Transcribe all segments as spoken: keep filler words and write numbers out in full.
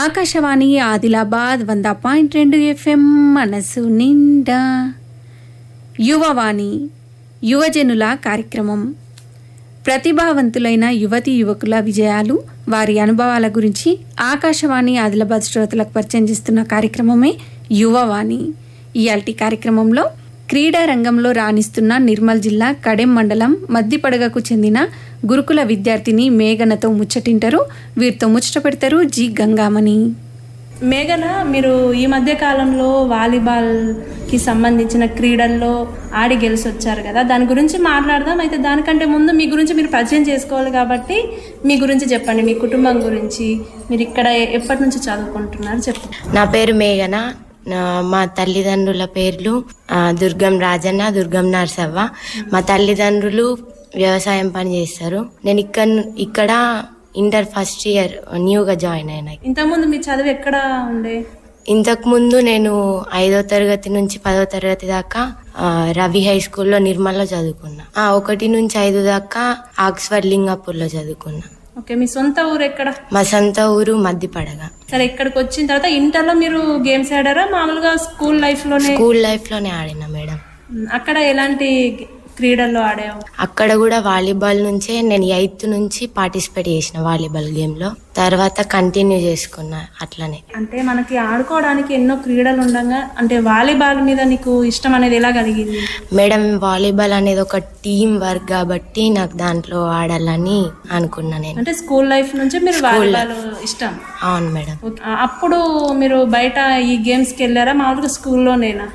ఆకాశవాణి ఆదిలాబాద్ వంద పాయింట్ రెండు ఎఫ్ఎం మనసు నిండా యువవాణి యువజనుల కార్యక్రమం. ప్రతిభావంతులైన యువతి యువకుల విజయాలు, వారి అనుభవాల గురించి ఆకాశవాణి ఆదిలాబాద్ శ్రోతలకు పరిచయం చేస్తున్న కార్యక్రమమే యువవాణి. ఇయాల్టి కార్యక్రమంలో క్రీడా రంగంలో రాణిస్తున్న నిర్మల్ జిల్లా కడెం మండలం మద్దిపడగకు చెందిన గురుకుల విద్యార్థిని మేఘనతో ముచ్చటింటారు. వీరితో ముచ్చట పెడతారు జి గంగామణి. మేఘన, మీరు ఈ మధ్య కాలంలో వాలీబాల్కి సంబంధించిన క్రీడల్లో ఆడి గెలిచి వచ్చారు కదా, దాని గురించి మాట్లాడదాం. అయితే దానికంటే ముందు మీ గురించి మీరు పరిచయం చేసుకోవాలి కాబట్టి మీ గురించి చెప్పండి, మీ కుటుంబం గురించి. మీరు ఇక్కడ ఎప్పటి నుంచి చదువుకుంటున్నారు చెప్పండి. నా పేరు మేఘన. మా తల్లిదండ్రుల పేర్లు దుర్గం రాజన్న, దుర్గం నర్సవ్వ. మా తల్లిదండ్రులు వ్యవసాయం పని చేస్తారు. నేను ఇక్కడ ఇక్కడ ఇంటర్ ఫస్ట్ ఇయర్ న్యూగా జాయిన్ అయినా. ఇంతకుముందు మీ చదువు ఎక్కడ ఉండే? ఇంతకు ముందు నేను ఐదో తరగతి నుంచి పదో తరగతి దాకా రవి హై స్కూల్లో నిర్మల్లో చదువుకున్నా. ఒకటి నుంచి ఐదు దాకా ఆక్స్ఫర్డ్ లింగాపూర్లో చదువుకున్నా. ఓకే, మీ సొంత ఊరు ఎక్కడ? మా సొంత ఊరు మద్దిపడగ. సరే, ఇక్కడికి వచ్చిన తర్వాత ఇంటర్లో మీరు గేమ్స్ ఆడారా? మామూలుగా స్కూల్ లైఫ్ లోనే? స్కూల్ లైఫ్ లోనే ఆడినా మేడం. అక్కడ ఎలాంటి క్రీడల్లో ఆడావు? అక్కడ కూడా వాలీబాల్ నుంచే నేను ఎయిత్ నుంచి పార్టిసిపేట్ చేసిన వాలీబాల్ గేమ్ లో. తర్వాత కంటిన్యూ చేసుకున్నా అట్లనే. అంటే మనకి ఆడుకోవడానికి ఎన్నో క్రీడలు ఉండగా అంటే వాలీబాల్ మీద నీకు ఇష్టం అనేది ఎలా కలిగింది? మేడం, వాలీబాల్ అనేది ఒక టీం వర్క్ కాబట్టి నాకు దాంట్లో ఆడాలని అనుకున్నా నేను. అంటే స్కూల్ లైఫ్ నుంచి మీరు వాలీబాల్ ఇష్టం? అవును మేడం. అప్పుడు మీరు బయట ఈ గేమ్స్ కి వెళ్ళారా, మామూలుగా స్కూల్లోనేనా?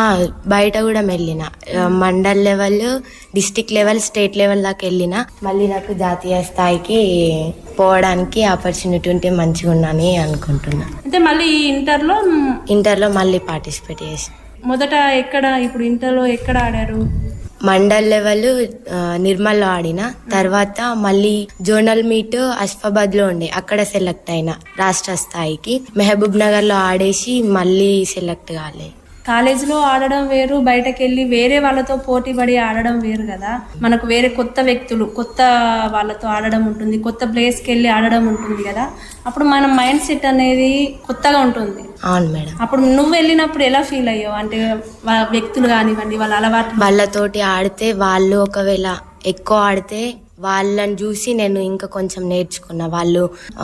బయట కూడా వెళ్ళిన. Mandal level, district level, state level దాకా వెళ్ళిన. మళ్ళీ నాకు జాతీయ స్థాయికి పోవడానికి ఆపర్చునిటీ ఉంటే మంచిగా ఉన్నాని అనుకుంటున్నా. అంటే మళ్ళీ ఇంటర్లో ఇంటర్లో మళ్ళీ పార్టిసిపేట్ చేసి. మొదట ఎక్కడ, ఇప్పుడు ఇంటర్లో ఎక్కడ ఆడారు? మండల్ లెవెల్ నిర్మల్లో ఆడిన. తర్వాత మళ్ళీ జోనల్ మీట్ అస్ఫాబాద్ లో ఉండే, అక్కడ సెలెక్ట్ అయిన రాష్ట్ర స్థాయికి. మహబూబ్ నగర్ లో ఆడేసి మళ్ళీ సెలెక్ట్ కాలే. కాలేజీలో ఆడడం వేరు, బయటకు వెళ్ళి వేరే వాళ్ళతో పోటీ పడి ఆడడం వేరు కదా. మనకు వేరే కొత్త వ్యక్తులు, కొత్త వాళ్ళతో ఆడడం ఉంటుంది, కొత్త ప్లేస్కి వెళ్ళి ఆడడం ఉంటుంది కదా. అప్పుడు మన మైండ్ సెట్ అనేది కొత్తగా ఉంటుంది. అవును మేడం. అప్పుడు నువ్వు వెళ్ళినప్పుడు ఎలా ఫీల్ అయ్యావు? అంటే వ్యక్తులు కానివ్వండి, వాళ్ళ అలవాటు, వాళ్ళతోటి ఆడితే, వాళ్ళు ఒకవేళ ఎక్కువ ఆడితే వాళ్ళని చూసి నేను ఇంకా కొంచెం నేర్చుకున్నా. వాళ్ళు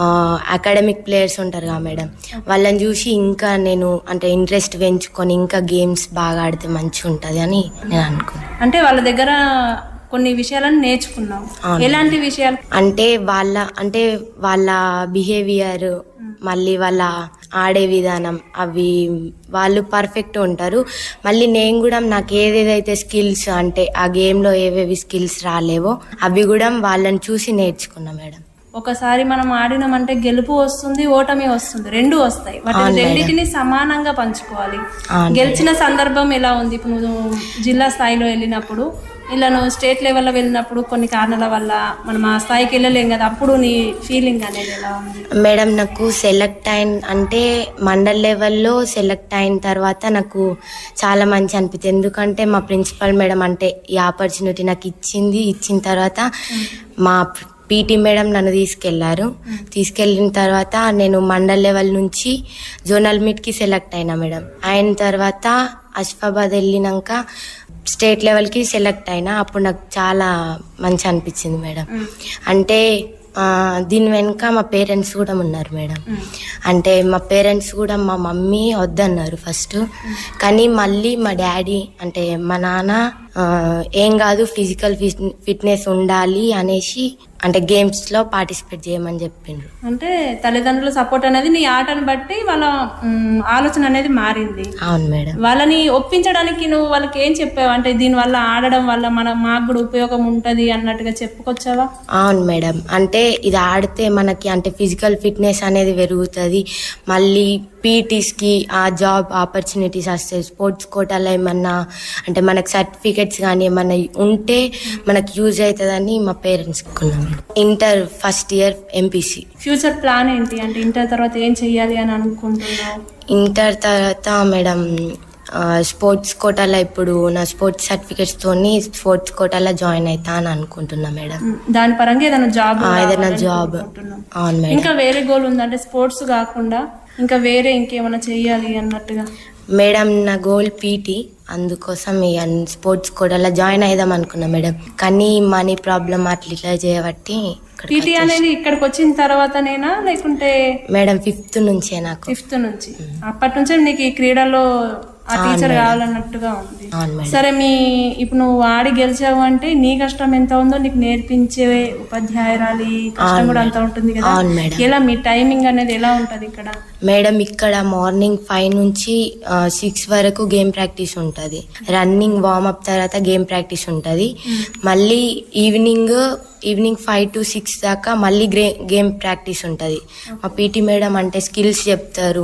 అకాడమిక్ ప్లేయర్స్ ఉంటారు కదా మేడం, వాళ్ళని చూసి ఇంకా నేను అంటే ఇంట్రెస్ట్ పెంచుకొని ఇంకా గేమ్స్ బాగా ఆడితే మంచిగా ఉంటుంది అని నేను అనుకున్నాను. అంటే వాళ్ళ దగ్గర కొన్ని విషయాలను నేర్చుకున్నావు. ఎలాంటి విషయాలు? అంటే వాళ్ళ అంటే వాళ్ళ బిహేవియర్, మళ్ళీ వాళ్ళ ఆడే విధానం, అవి వాళ్ళు పర్ఫెక్ట్ ఉంటారు. మళ్ళీ నేను కూడా నాకు ఏదేదైతే స్కిల్స్ అంటే ఆ గేమ్లో ఏవేవి స్కిల్స్ రాలేవో అవి కూడా వాళ్ళని చూసి నేర్చుకున్నా మేడం. ఒకసారి మనం ఆడినామంటే గెలుపు వస్తుంది, ఓటమి వస్తుంది, రెండు వస్తాయి. వాటిని రెండింటిని సమానంగా పంచుకోవాలి. గెలిచిన సందర్భం ఎలా ఉంది? ఇప్పుడు నువ్వు జిల్లా స్థాయిలో వెళ్ళినప్పుడు, ఇలా నువ్వు స్టేట్ లెవెల్లో వెళ్ళినప్పుడు కొన్ని కారణాల వల్ల మనం ఆ స్థాయికి వెళ్ళలేం కదా, అప్పుడు నీ ఫీలింగ్ అనేది ఎలా ఉంది? మేడం, నాకు సెలెక్ట్ అయిన అంటే మండల్ లెవెల్లో సెలెక్ట్ అయిన తర్వాత నాకు చాలా మంచి అనిపించింది. ఎందుకంటే మా ప్రిన్సిపల్ మేడం అంటే ఈ ఆపర్చునిటీ నాకు ఇచ్చింది. ఇచ్చిన తర్వాత మా పీటీ మేడం నన్ను తీసుకెళ్లారు. తీసుకెళ్ళిన తర్వాత నేను మండల్ లెవెల్ నుంచి జోనల్ మీట్కి సెలెక్ట్ అయినా మేడం. అయిన తర్వాత అస్ఫాబాద్ వెళ్ళినాక స్టేట్ లెవెల్కి సెలెక్ట్ అయినా. అప్పుడు నాకు చాలా మంచి అనిపించింది మేడం. అంటే దీని వెనుక మా పేరెంట్స్ కూడా ఉన్నారు మేడం. అంటే మా పేరెంట్స్ కూడా, మా మమ్మీ వద్దన్నారు ఫస్ట్, కానీ మళ్ళీ మా డాడీ అంటే మా నాన్న ఏం కాదు, ఫిజికల్ ఫిట్నెస్ ఉండాలి అనేసి అంటే గేమ్స్ లో పార్టిసిపేట్ చేయమని చెప్పిండ్రు. అంటే తల్లిదండ్రుల సపోర్ట్ అనేది నీ ఆటను బట్టి వాళ్ళ ఆలోచన అనేది మారింది. అవును మేడం. వాళ్ళని ఒప్పించడానికి నువ్వు వాళ్ళకి ఏం చెప్పావు? అంటే దీని వల్ల ఆడడం వల్ల మన మాకు కూడా ఉపయోగం ఉంటది అన్నట్టుగా చెప్పుకొచ్చావా? అవును మేడం. అంటే ఇది ఆడితే మనకి అంటే ఫిజికల్ ఫిట్నెస్ అనేది పెరుగుతుంది. మళ్ళీ పీటీస్కి ఆ జాబ్ ఆపర్చునిటీస్ వస్తాయి. స్పోర్ట్స్ కోటాలో ఏమన్నా అంటే మనకు సర్టిఫికెట్స్ కానీ ఏమన్నా ఉంటే మనకు యూజ్ అవుతుందని మా పేరెంట్స్ కొన్నాం. Inter first year MPC. Future plan ఏంటి? అంటే ఇంటర్ తర్వాత ఏం చెయ్యాలి అని అనుకుంటున్నావు? ఇంటర్ తర్వాత మేడం స్పోర్ట్స్ కోటాలో ఇప్పుడు నా స్పోర్ట్స్ సర్టిఫికెట్స్ తోని స్పోర్ట్స్ కోటాలో జాయిన్ అవుతా అని అనుకుంటున్నా మేడం. దాని పరంగా ఏదైనా జాబ్ ఏదైనా జాబ్ అవును మేడం. ఇంకా వేరే గోల్ ఉందా అంటే స్పోర్ట్స్ కాకుండా ఇంకా వేరే ఇంకేమైనా చెయ్యాలి అన్నట్టుగా? మేడం నా గోల్ పీటీ, అందుకోసం ఈ స్పోర్ట్స్ కోటాలో జాయిన్ అయిదాం అనుకున్నా మేడం. కానీ మనీ ప్రాబ్లం అట్లా ఇట్లా చేయబట్టి ఇక్కడికి పీటీ అనేది ఇక్కడికి వచ్చిన తర్వాతనేనా లేకుంటే? మేడం ఫిఫ్త్ నుంచే నాకు. ఫిఫ్త్ నుంచి అప్పటి నుంచే నీకు ఈ క్రీడలో ఆ టీచర్ కావాలన్నట్టుగా ఉంది. అవును మేడం. సరే, మీ ఇప్పుడు నువ్వు ఆడి గెలిచావు అంటే నీ కష్టం ఎంత ఉందో నీకు నేర్పించే ఉపాధ్యాయురాలి కష్టం కూడా అంత ఉంటుంది కదా. అవును మేడం. ఎలా మీ టైమింగ్ అనేది ఎలా ఉంటది ఇక్కడ? మేడం ఇక్కడ మార్నింగ్ ఫైవ్ నుంచి సిక్స్ వరకు గేమ్ ప్రాక్టీస్ ఉంటుంది. రన్నింగ్ వార్మప్ తర్వాత గేమ్ ప్రాక్టీస్ ఉంటుంది. మళ్ళీ evening evening five to six దాకా మళ్ళీ గ్రే గేమ్ ప్రాక్టీస్ ఉంటుంది. మా పీటీ మేడం అంటే స్కిల్స్ చెప్తారు,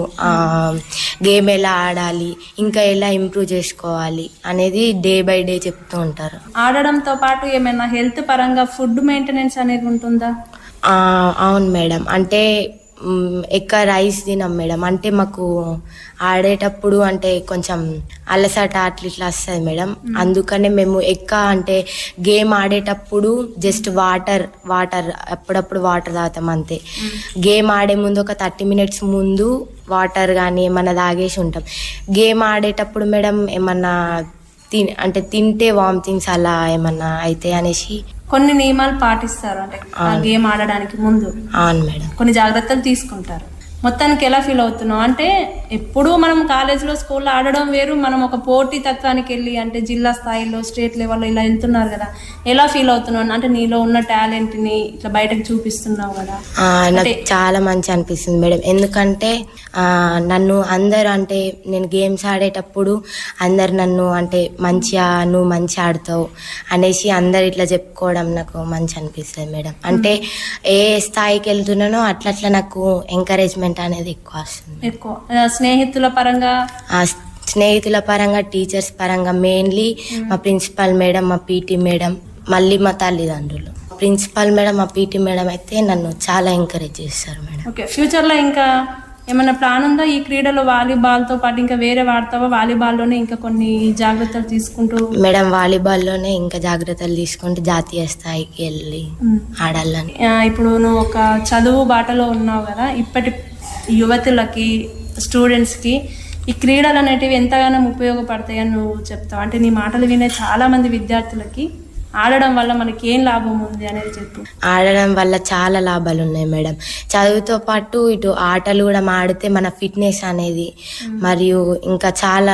గేమ్ ఎలా ఆడాలి, ఇంకా ఎలా ఇంప్రూవ్ చేసుకోవాలి అనేది డే బై డే చెప్తూ ఉంటారు. ఆడడంతో పాటు ఏమైనా హెల్త్ పరంగా ఫుడ్ మెయింటెనెన్స్ అనేది ఉంటుందా? ఆ, అవును మేడం. అంటే మ్, ఎక్కువ రైస్ తినాం మేడం. అంటే మాకు ఆడేటప్పుడు అంటే కొంచెం అలసట అట్లా ఇట్లా వస్తుంది మేడం. అందుకనే మేము ఎక్కువ అంటే గేమ్ ఆడేటప్పుడు జస్ట్ వాటర్ వాటర్ అప్పుడప్పుడు వాటర్ తాగుతాం అంతే. గేమ్ ఆడే ముందు ఒక థర్టీ మినిట్స్ ముందు వాటర్ కానీ ఏమన్నా తాగేసి ఉంటాం. గేమ్ ఆడేటప్పుడు మేడం ఏమన్నా తిన్ అంటే తింటే వామిటింగ్స్ అలా ఏమన్నా అయితే అనేసి కొన్ని నియమాలు పాటిస్తారు అంటే ఆ గేమ్ ఆడడానికి ముందు. అవును మేడం. కొన్ని జాగ్రత్తలు తీసుకుంటారు. మొత్తానికి ఎలా ఫీల్ అవుతున్నావు? అంటే ఎప్పుడూ మనం కాలేజ్లో స్కూల్లో ఆడడం వేరు, మనం ఒక పోటీ తత్వానికి వెళ్ళి అంటే జిల్లా స్థాయిలో స్టేట్ లెవెల్లో ఇలా వెళ్తున్నారు కదా, ఎలా ఫీల్ అవుతున్నావు? అంటే నీలో ఉన్న టాలెంట్ని ఇట్లా బయటకు చూపిస్తున్నావు కదా. నాకు చాలా మంచి అనిపిస్తుంది మేడం. ఎందుకంటే నన్ను అందరు అంటే నేను గేమ్స్ ఆడేటప్పుడు అందరు నన్ను అంటే మంచిగా నువ్వు మంచిగా ఆడుతావు అనేసి అందరు ఇట్లా చెప్పుకోవడం నాకు మంచి అనిపిస్తుంది మేడం. అంటే ఏ స్థాయికి వెళ్తున్నానో అట్లా అట్లా నాకు ఎంకరేజ్మెంట్ అనేది ఎక్కువ వస్తుంది. ఎక్కువ స్నేహితుల పరంగా స్నేహితుల పరంగా టీచర్స్ పరంగా మెయిన్లీ మా ప్రిన్సిపల్ మేడం, మా పీటీ మేడం, మళ్ళీ మా తల్లిదండ్రులు. ప్రిన్సిపల్ మేడం, మా పీటీ మేడం అయితే నన్ను చాలా ఎంకరేజ్ చేస్తారు మేడం. ఓకే, ఫ్యూచర్లో ఇంకా ఏమైనా ప్లాన్ ఉందా ఈ క్రీడలో? వాలీబాల్తో పాటు ఇంకా వేరే వాడతావా? వాలీబాల్లోనే ఇంకా కొన్ని జాగ్రత్తలు తీసుకుంటూ? మేడం వాలీబాల్లోనే ఇంకా జాగ్రత్తలు తీసుకుంటూ జాతీయ స్థాయికి వెళ్ళి ఆడాలని. ఇప్పుడు నువ్వు ఒక చదువు బాటలో ఉన్నావు కదా, ఇప్పటి యువతులకి స్టూడెంట్స్కి ఈ క్రీడలు అనేటివి ఎంతగానో ఉపయోగపడతాయని నువ్వు చెప్తావు? అంటే నీ మాటలు వినే చాలా మంది విద్యార్థులకి ఆడడం వల్ల మనకి ఏం లాభం ఉంది అనేది చెప్పు. ఆడడం వల్ల చాలా లాభాలు ఉన్నాయి మేడం. చదువుతో పాటు ఇటు ఆటలు కూడా ఆడితే మన ఫిట్నెస్ అనేది మరియు ఇంకా చాలా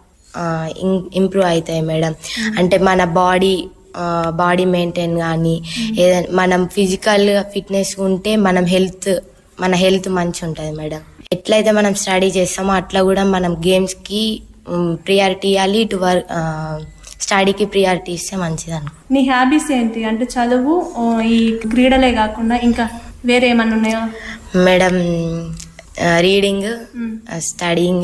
ఇంప్రూవ్ అవుతాయి మేడం. అంటే మన బాడీ బాడీ మెయింటైన్ కానీ ఏదైనా మనం ఫిజికల్ ఫిట్నెస్ ఉంటే మనం హెల్త్ మన హెల్త్ మంచి ఉంటుంది మేడం. ఎట్లయితే మనం స్టడీ చేస్తామో అట్లా కూడా మనం గేమ్స్కి ప్రియారిటీ ఇవ్వాలి, ఇటు వర్క్ స్టడీకి ప్రియారిటీ ఇస్తే మంచిది అనుకో. నీ హ్యాబీస్ ఏంటి? అంటే చదువు, ఈ క్రీడలే కాకుండా ఇంకా వేరే ఏమన్నా ఉన్నాయా మేడం? రీడింగ్, స్టడీయింగ్,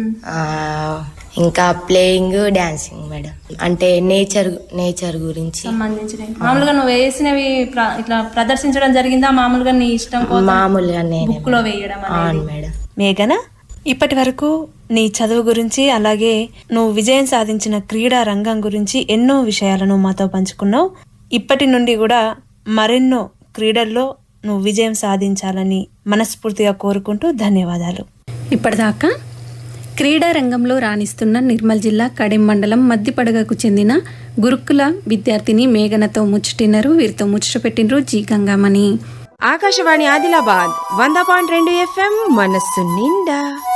ఇంకా ప్లేయింగ్, డాన్సింగ్ మేడం. అంటే నేచర్ నేచర్ గురించి సంబంధించిన మామూలుగా నువ్వు వేసినవి ఇట్లా ప్రదర్శించడం జరిగిందా? మామూలుగా నీ ఇష్టం మామూలుగా నేను బుక్ లో వేయడం మేడం. మేఘన, ఇప్పటి వరకు నీ చదువు గురించి అలాగే నువ్వు విజయం సాధించిన క్రీడా రంగం గురించి ఎన్నో విషయాలను మాతో పంచుకున్నావు. ఇప్పటి నుండి కూడా మరెన్నో క్రీడల్లో నువ్వు విజయం సాధించాలని మనస్ఫూర్తిగా కోరుకుంటూ ధన్యవాదాలు. ఇప్పటిదాకా క్రీడా రంగంలో రాణిస్తున్న నిర్మల్ జిల్లా కడెం మండలం మద్దిపడగకు చెందిన గురుకుల విద్యార్థిని మేఘనతో ముచ్చటినరు. వీరితో ముచ్చట పెట్టినరు జీ గంగామణి. ఆకాశవాణి ఆదిలాబాద్ వంద పాయింట్ రెండు ఎఫ్ఎం మనస్సు నిండా.